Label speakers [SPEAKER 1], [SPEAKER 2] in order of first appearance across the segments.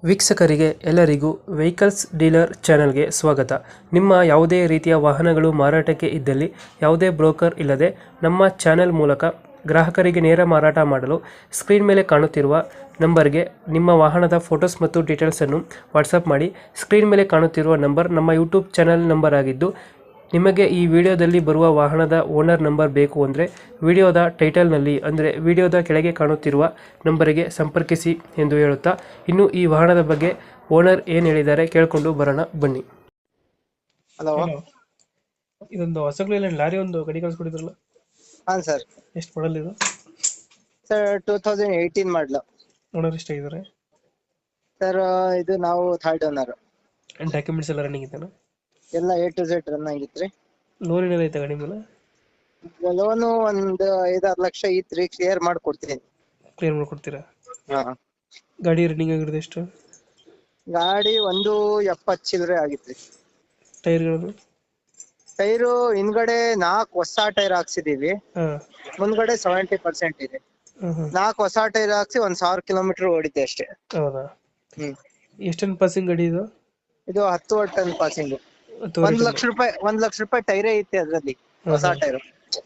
[SPEAKER 1] ವೀಕ್ಷಕರಿಗೆ ಎಲ್ಲರಿಗೂ vehicles dealer ಚಾನೆಲ್ಗೆ ಸ್ವಾಗತ. ನಿಮ್ಮ ಯಾವುದೇ ರೀತಿಯ ವಾಹನಗಳು ಮಾರಾಟಕ್ಕೆ ಇದ್ದಲ್ಲಿ ಯಾವುದೇ ಬ್ರೋಕರ್ ಇಲ್ಲದೆ ನಮ್ಮ ಚಾನೆಲ್ ಮೂಲಕ ಗ್ರಾಹಕರಿಗೆ ನೇರ ಮಾರಾಟ ಮಾಡಲು ಸ್ಕ್ರೀನ್ ಮೇಲೆ ಕಾಣುತ್ತಿರುವ ನಂಬರ್ಗೆ ನಿಮ್ಮ ವಾಹನದ ಫೋಟೋಸ್ ಮತ್ತು ಡೀಟೇಲ್ಸನ್ನು ವಾಟ್ಸಪ್ ಮಾಡಿ. ಸ್ಕ್ರೀನ್ ಮೇಲೆ ಕಾಣುತ್ತಿರುವ ನಂಬರ್ ನಮ್ಮ ಯೂಟ್ಯೂಬ್ ಚಾನೆಲ್ ನಂಬರ್ ಆಗಿದ್ದು, ನಿಮಗೆ ಈ ವಿಡಿಯೋದಲ್ಲಿ ಬರುವ ವಾಹನದ ಓನರ್ ನಂಬರ್ ಬೇಕು ಅಂದರೆ ವಿಡಿಯೋದ ಟೈಟಲ್ನಲ್ಲಿ ಅಂದರೆ ವಿಡಿಯೋದ ಕೆಳಗೆ ಕಾಣುತ್ತಿರುವ ನಂಬರಿಗೆ ಸಂಪರ್ಕಿಸಿ ಎಂದು ಹೇಳುತ್ತಾ, ಇನ್ನು ಈ ವಾಹನದ ಬಗ್ಗೆ ಓನರ್ ಏನು ಹೇಳಿದ್ದಾರೆ ಕೇಳಿಕೊಂಡು ಬರೋಣ ಬನ್ನಿ.
[SPEAKER 2] ಹಲೋ.
[SPEAKER 1] ಇದೊಂದು ಹೊಸಗ್ಲಿಲ್ಲ ಲಾರಿ ಒಂದು ಗಾಡಿ ಕಳಿಸ್ಕೊಟ್ಟಿದ್ರಲ್ಲ,
[SPEAKER 2] ಹಾಂ ಸರ್.
[SPEAKER 1] ಎಷ್ಟು ಮಾಡಲ್ ಇದು?
[SPEAKER 2] ಸರ್ 2018 ಮಾಡಲು.
[SPEAKER 1] ಓನರ್ ಎಷ್ಟಾಗಿದ್ದಾರೆ?
[SPEAKER 2] ಸರ್ ಇದು ನಾವು ಥರ್ಡ್ ಓನರ್.
[SPEAKER 1] ಡಾಕ್ಯುಮೆಂಟ್ಸ್ ಎಲ್ಲ ರನ್ನಿಂಗ್ ಇದ್ದಾನೆ?
[SPEAKER 2] ಎಲ್ಲ A to Z ರನ್ ಆಗಿತ್ರಿ.
[SPEAKER 1] ಲೋನ್ ಏನಾದ್ರು ಐತೆ ಗಾಡಿ ಮೇಲೆ?
[SPEAKER 2] ಲೋನು ಒಂದು 5-6 ಲಕ್ಷ ಇತ್ರಿ, ಕ್ಲಿಯರ್ ಮಾಡ್ಕೊಡ್ತೀನಿ.
[SPEAKER 1] ಕ್ಲಿಯರ್ ಮಾಡ್ಕೊಡ್ತೀರಾ?
[SPEAKER 2] ಹಾ.
[SPEAKER 1] ಗಾಡಿ ರನ್ನಿಂಗ್ ಆಗಿರೋದು ಎಷ್ಟು?
[SPEAKER 2] ಗಾಡಿ 170 ಚಿಲ್ಲರೆ ಆಗಿತ್ರಿ.
[SPEAKER 1] ಟೈರ್ಗಳು?
[SPEAKER 2] ಟೈರು ಹಿಂದ್ಗಡೆ 4 ಹೊಸ ಟೈರ್ ಹಾಕ್ಸಿದೀವಿ,
[SPEAKER 1] ಹಾಂ.
[SPEAKER 2] ಮುಂದ್ಗಡೆ 70% ಇದೆ.
[SPEAKER 1] ಹಾಂ.
[SPEAKER 2] 4 ಹೊಸ ಟೈರ್ ಹಾಕ್ಸಿ 1,000 ಕಿಲೋಮೀಟರ್ ಓಡಿದೆ ಅಷ್ಟೇ.
[SPEAKER 1] ಹೌದಾ?
[SPEAKER 2] ಹ್ಮ್.
[SPEAKER 1] ಎಷ್ಟೊಂದು ಪಾಸಿಂಗ್ ಗಾಡಿ ಇದು?
[SPEAKER 2] ಇದು 10 ಟನ್ ಪಾಸಿಂಗ್. 1 ಲಕ್ಷ ರೂಪಾಯಿ ಟೈರೇ ಐತೆ ಅದ್ರಲ್ಲಿ, ಹೊಸ ಟೈರು.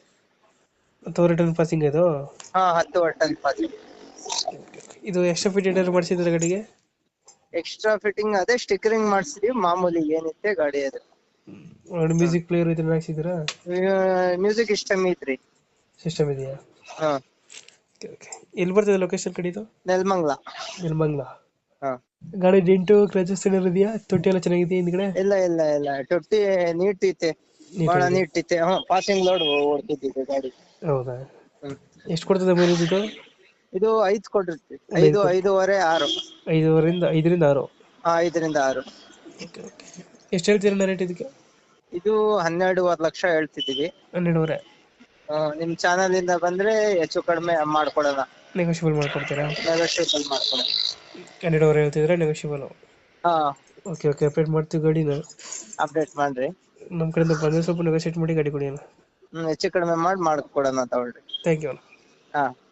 [SPEAKER 1] 10 ಟನ್ ಪಾಸಿಂಗ್ ಇದು?
[SPEAKER 2] ಹಾ, 10 ಟನ್ ಪಾಸಿಂಗ್.
[SPEAKER 1] ಇದು ಎಕ್ಸ್ಟ್ರಾ ಫಿಟ್ ಏನಾದ್ರು ಮಾಡಿಸಿದ್ರೆ ಗಾಡಿಗೆ?
[SPEAKER 2] ಎಕ್ಸ್ಟ್ರಾ ಫಿಟ್ಟಿಂಗ್ ಅದೇ ಸ್ಟಿಕರಿಂಗ್ ಮಾಡಿಸಿದೀವಿ, ಮಾಮೂಲಿ ಏನಿತ್ತೆ ಗಾಡಿ ಅದು.
[SPEAKER 1] ಮ್ಯೂಸಿಕ್ ಪ್ಲೇಯರ್ ಇದನ್ನ ಹಾಕ್ಸಿದ್ದೀರಾ?
[SPEAKER 2] ಮ್ಯೂಸಿಕ್ ಸಿಸ್ಟಮ್ ಐತ್ರಿ.
[SPEAKER 1] ಸಿಸ್ಟಮ್ ಇದೆಯಾ?
[SPEAKER 2] ಹಾ.
[SPEAKER 1] ಎಲ್ಲಿ ಬರ್ತದೆ ಲೊಕೇಶನ್ ಕಡೆ ಇದು?
[SPEAKER 2] ನೆಲಮಂಗಲ.
[SPEAKER 1] ನೆಲಮಂಗಲ.
[SPEAKER 2] ಹಾ.
[SPEAKER 1] ಗಾಡಿ ಡೆಂಟು ಕ್ರಚಸ್ ಏನಾದ್ರು ಇದೆಯಾ? ತೊಟ್ಟಿ ಎಲ್ಲ ಚೆನ್ನಾಗಿದೆ ಹಿಂದ್ಗಡೆ?
[SPEAKER 2] ಇಲ್ಲ ತೊಟ್ಟಿ ನೀಟ್ ಐತೆ, ಬಹಳ ನೀಟ್ ಐತೆ. ಹಾ, ಪಾಸಿಂಗ್ ಲೋಡ್ ಓಡ್ತಿದ್ದೆ ಗಾಡಿ.
[SPEAKER 1] ಹೌದಾ?
[SPEAKER 2] ಹ್ಮ್.
[SPEAKER 1] ಎಷ್ಟು ಕೊಡ್ತದೆ ಮೈಲೇಜ್ ಇದು?
[SPEAKER 2] ಇದು 5 ಕೊಟ್ಟಿರ್ತಿ. 5.5 6.
[SPEAKER 1] 5ರಿಂದ 6.
[SPEAKER 2] ಹಾ, 5ರಿಂದ 6.
[SPEAKER 1] ಎಷ್ಟು ಹೇಳ್ತೀರಣ್ಣ ರೇಟ್ ಇದಕ್ಕೆ?
[SPEAKER 2] ಇದು 12.5 ಲಕ್ಷ ಹೇಳ್ತಿದೀವಿ.
[SPEAKER 1] 12.5?
[SPEAKER 2] ನಿಮ್ ಚಾನಲ್ ಇಂದ ಬಂದ್ರೆ ಹೆಚ್ಚು ಕಡಿಮೆ ಮಾಡ್ಕೊಡೋಣ.
[SPEAKER 1] ನೆಗೋಷಿಯಬಲ್ ಮಾಡ್ಕೊಡ್ತೀರಾ?
[SPEAKER 2] ನೆಗೋಷಿಯಬಲ್ ಮಾಡ್ಕೊಡೋಣ.
[SPEAKER 1] 12.5 ಹೇಳ್ತಿದ್ರೆ ನೆಗೋಷಿಯಬಲ್?
[SPEAKER 2] ಹಾ.
[SPEAKER 1] ಓಕೆ ಅಪ್ಡೇಟ್ ಮಾಡ್ತೀವಿ ಗಾಡಿನ.
[SPEAKER 2] ಅಪ್ಡೇಟ್ ಮಾಡ್ರಿ.
[SPEAKER 1] ನಮ್ಮ ಕಡೆಯಿಂದ ಬಂದರೆ ಸ್ವಲ್ಪ ನೆಗೋಷಿಯೇಟ್ ಮಾಡಿ ಗಾಡಿ ಕೊಡಿ ಅಣ್ಣ.
[SPEAKER 2] ಹೆಚ್ಚು ಕಡಿಮೆ ಮಾಡ್ಕೊಡೋಣ, ತಗೊಳ್ರಿ.
[SPEAKER 1] ಥ್ಯಾಂಕ್ ಯು ಅಣ್ಣ.
[SPEAKER 2] ಹಾ.